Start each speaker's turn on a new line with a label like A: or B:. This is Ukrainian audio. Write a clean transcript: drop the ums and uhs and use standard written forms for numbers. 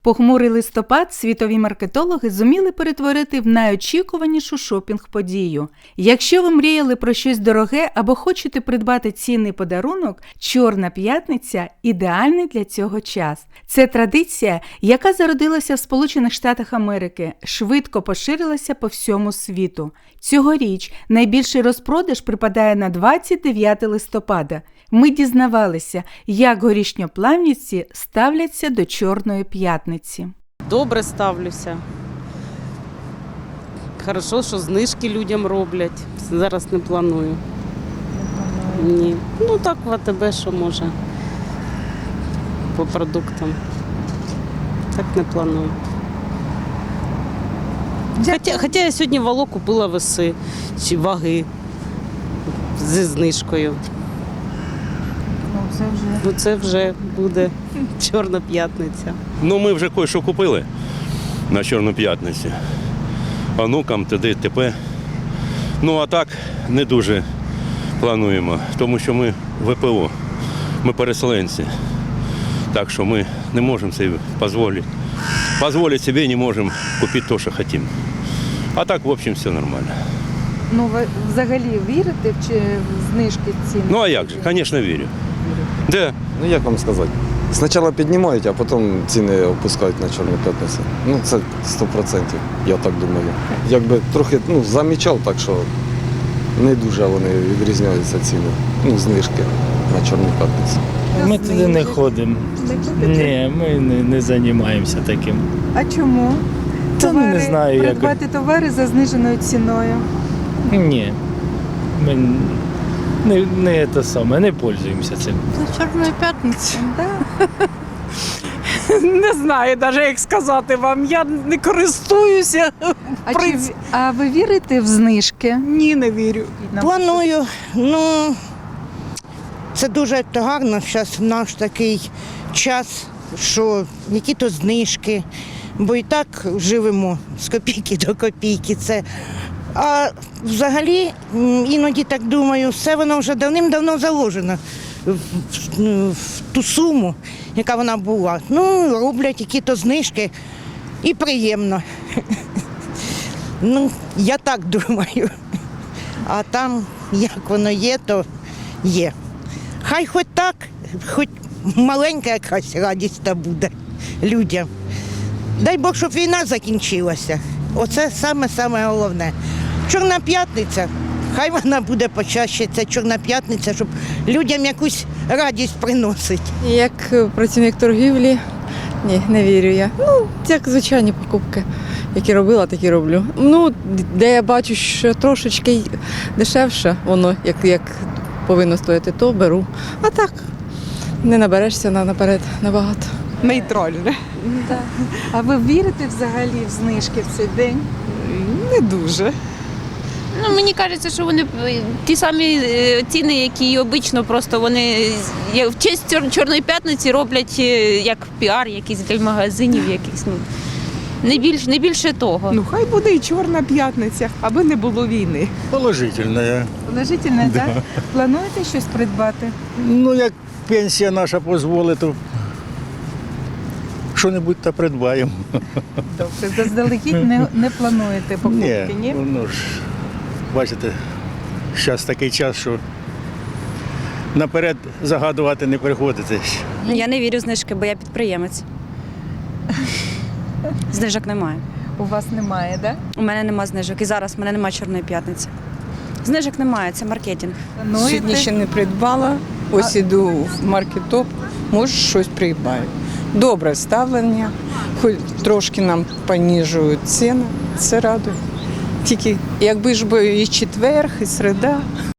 A: Похмурий листопад світові маркетологи зуміли перетворити в найочікуванішу шопінг-подію. Якщо ви мріяли про щось дороге або хочете придбати цінний подарунок, Чорна п'ятниця – ідеальний для цього час. Це традиція, яка зародилася в Сполучених Штатах Америки, швидко поширилася по всьому світу. Цьогоріч найбільший розпродаж припадає на 29 листопада. Ми дізнавалися, як горішньоплавнівці ставляться до Чорної п'ятниці.
B: Добре ставлюся. Хорошо, що знижки людям роблять. Зараз не планую. Ні. Ну так в АТБ, що може. По продуктам. Так не планую. Хоча я сьогодні вало купила веси чи ваги зі знижкою. Це вже буде Чорна п'ятниця.
C: Ну, ми вже кое-що купили на Чорну п'ятницю. Онукам, т.д. і т.п. Ну, а так не дуже плануємо, тому що ми ВПО, ми переселенці. Так що ми не можемо собі дозволити. Позволить собі не можемо купити те, що хочемо. А так, в общем, все нормально.
D: Ну, ви взагалі вірите в знижки цін?
C: Ну, а як же? Звісно, вірю. Да.
E: Ну як вам сказати? Спочатку піднімають, а потім ціни опускають на Чорну п'ятницю. Ну це 100%, я так думаю. Якби трохи замічав, так що не дуже вони відрізняються ціни. Ну, знижки на Чорну п'ятницю.
F: Ми туди не ходимо. Ні, ми не займаємося таким.
D: А чому?
F: Та не знаю, як.
D: Придбати товари за зниженою ціною.
F: Ні. Ми не пользуємося цим.
G: Чорної п'ятниці.
H: Не знаю навіть, як сказати вам. Я не користуюся.
D: А ви вірите в знижки?
H: Ні, не вірю.
G: Планую. Ну, це дуже гарно зараз в наш такий час, що які-то знижки, бо і так живемо з копійки до копійки. А взагалі, іноді так думаю, все воно вже давним-давно заложено в ту суму, яка вона була. Ну, роблять які-то знижки і приємно. Ну, я так думаю. А там, як воно є, то є. Хай хоч так, хоч маленька якась радість та буде людям. Дай Бог, щоб війна закінчилася. Оце саме головне. Чорна п'ятниця, хай вона буде почаще, ця Чорна п'ятниця, щоб людям якусь радість приносить.
I: Як працівник торгівлі, ні, не вірю я. Ну, як звичайні покупки, які робила, такі роблю. Ну, де я бачу, що трошечки дешевше воно, як повинно стояти, то беру. А так, не наберешся наперед набагато.
H: Нейтральне.
D: А ви вірите взагалі в знижки в цей день?
H: Не дуже.
J: Ну, мені кажеться, що вони ті самі ціни, які і обично, просто вони в честь Чорної п'ятниці роблять як піар, якийсь для магазинів, якийсь, ну, не більше того.
H: Ну, хай буде і Чорна п'ятниця, аби не було війни.
K: Положительно.
D: Положительно, так? Плануєте щось придбати?
K: Ну, як пенсія наша дозволить, то що-небудь та придбаємо.
D: Добре, заздалегідь не плануєте покупки, ні?
K: Ну ж, бачите, зараз такий час, що наперед загадувати не приходиться.
L: Я не вірю в знижки, бо я підприємець. Знижок немає.
D: У вас немає, так?
L: У мене нема знижок. І зараз в мене немає Чорної п'ятниці. Знижок немає, це маркетинг.
I: Сьогодні ще не придбала, ось іду в маркетоп, може щось придбаю. Добре ставлення, хоч трошки нам поніжують ціни, це радує. Тільки якби ж і четвер, і середа.